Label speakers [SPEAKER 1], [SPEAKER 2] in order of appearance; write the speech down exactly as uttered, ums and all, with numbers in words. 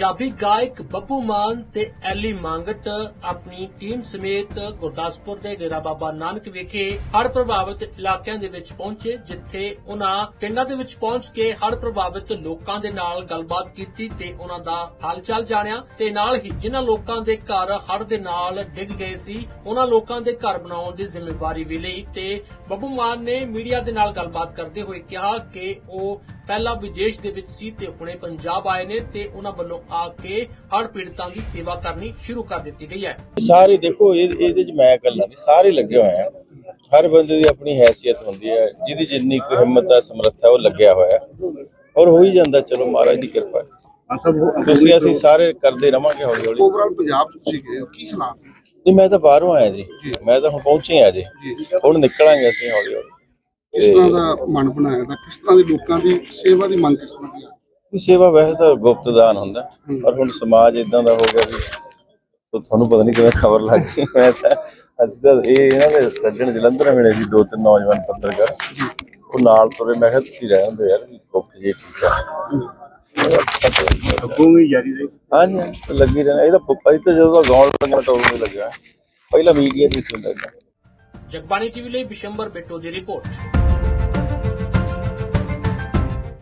[SPEAKER 1] पंजाबी गायक बब्बू मान ते एली मांगट अपनी टीम समेत गुरदासपुर दे डेरा बाबा नानक विखे हड़ प्रभावित इलाकिਆਂ ਦੇ ਵਿੱਚ ਪਹੁੰਚੇ, ਜਿੱਥੇ ਉਹਨਾਂ ਪਿੰਡਾਂ ਦੇ ਵਿੱਚ ਪਹੁੰਚ ਕੇ ਹੜ ਪ੍ਰਭਾवित ਲੋਕਾਂ ਦੇ ਨਾਲ ਗੱਲਬਾਤ ਕੀਤੀ ਤੇ ਉਹਨਾਂ ਦਾ ਹਾਲ-ਚਾਲ ਜਾਣਿਆ ਤੇ ਨਾਲ ਹੀ ਜਿਨ੍ਹਾਂ ਲੋਕਾਂ ਦੇ ਘਰ ਹੜ ਦੇ ਨਾਲ ਡਿੱਗ ਗਏ ਸੀ ਉਹਨਾਂ ਲੋਕਾਂ ਦੇ ਘਰ ਬਣਾਉਣ ਦੀ ਜ਼ਿੰਮੇਵਾਰੀ ਵੀ ਲਈ। ਤੇ ਬੱਬੂ ਮਾਨ ਨੇ ਮੀਡੀਆ ਦੇ ਨਾਲ ਗੱਲਬਾਤ ਕਰਦੇ ਹੋਏ ਕਿਹਾ ਕਿ ਉਹ ਪਹਿਲਾਂ विदेश ਦੇ ਵਿੱਚ ਸੀ ਤੇ ਹੁਣੇ ਪੰਜਾਬ ਆਏ ਨੇ ਤੇ ਉਹਨਾਂ ਵੱਲੋਂ ਆ ਕੇ ਹੜ੍ਹ ਪੀੜਤਾਂ ਦੀ ਸੇਵਾ ਕਰਨੀ ਸ਼ੁਰੂ ਕਰ ਦਿੱਤੀ ਗਈ ਹੈ।
[SPEAKER 2] ਸਾਰੇ ਦੇਖੋ ਇਹਦੇ ਚ ਮੈਂ ਇਕੱਲਾ ਨਹੀਂ, ਸਾਰੇ ਲੱਗੇ ਹੋਏ ਆ। ਹਰ ਬੰਦੇ ਦੀ ਆਪਣੀ ਹੈਸੀਅਤ ਹੁੰਦੀ ਹੈ, ਜਿਹਦੀ ਜਿੰਨੀ ਕੋਈ ਹਿੰਮਤ ਹੈ ਸਮਰੱਥਾ ਉਹ ਲੱਗਿਆ ਹੋਇਆ ਔਰ ਹੋ ਹੀ ਜਾਂਦਾ। ਚਲੋ ਮਹਾਰਾਜ ਦੀ ਕਿਰਪਾ ਹੈ, ਤੁਸੀਂ ਅਸੀਂ ਸਾਰੇ ਕਰਦੇ ਰਵਾਂਗੇ ਹੌਲੀ ਹੌਲੀ।
[SPEAKER 3] ਓਵਰਆਲ ਪੰਜਾਬ ਤੁਸੀਂ ਗਏ ਹੋ, ਕੀ ਹਾਲਾਤ?
[SPEAKER 2] ਨਹੀਂ, ਮੈਂ ਤਾਂ ਬਾਹਰੋਂ ਆਇਆ ਜੀ, ਮੈਂ ਤਾਂ ਹੁਣ ਪਹੁੰਚੇ ਆ ਜੀ, ਹੁਣ ਨਿਕਲਾਂਗੇ ਅਸੀਂ ਹੌਲੀ ਹੌਲੀ।
[SPEAKER 3] ਕਿਸ ਤਰ੍ਹਾਂ ਦਾ ਮਨ ਬਣਾਇਆ ਤਾਂ ਕਿਸ ਤਰ੍ਹਾਂ ਦੀ ਲੋਕਾਂ ਦੀ ਸੇਵਾ ਦੀ ਮੰਗ ਕਿਸ ਤਰ੍ਹਾਂ ਦੀ ਆ?
[SPEAKER 2] ਸੇਵਾ ਵੈਸੇ ਤਾਂ ਗੁਪਤ ਦਾਨ ਹੁੰਦਾ, ਪਰ ਹੁਣ ਸਮਾਜ ਇਦਾਂ ਦਾ ਹੋ ਗਿਆ ਵੀ ਤੁਹਾਨੂੰ ਪਤਾ ਨਹੀਂ ਕਿਵੇਂ ਖਬਰ ਲੱਗ ਗਈ। ਮੈਂ ਤਾਂ ਅਸੀਂ ਤਾਂ ਇਹ ਇਹਨਾਂ ਦੇ ਸੱਜਣ ਜਲੰਧਰ ਮਿਲੇ ਸੀ ਦੋ ਤਿੰਨ ਨੌਜਵਾਨ ਪੱਤਰਕਾਰ, ਉਹ ਨਾਲ ਤੁਰੇ। ਮੈਂ ਕਿਹਾ ਤੁਸੀਂ ਰਹਿ ਹੁੰਦੇ ਯਾਰ, ਗੁਪਤ ਜੇ ਠੀਕ ਆ।
[SPEAKER 3] ਅੱਗੋਂ ਜਾਰੀ ਰਹੀ।
[SPEAKER 2] ਹਾਂਜੀ ਹਾਂਜੀ, ਲੱਗੀ ਰਹਿਣਾ। ਇਹ ਤਾਂ ਅਸੀਂ ਤਾਂ ਜਦੋਂ ਦਾ ਗਾਉਣ ਲੱਗਿਆ ਟੋਲ ਨਹੀਂ ਲੱਗਿਆ, ਪਹਿਲਾਂ ਮੀਡੀਆ ਦੀ ਸੀ ਹੁੰਦਾ।
[SPEAKER 1] ਜਗਬਾਣੀ ਟੀਵੀ ਲਈ ਬਿਸ਼ੰਬਰ ਬਿੱਟੂ ਦੀ ਰਿਪੋਰਟ।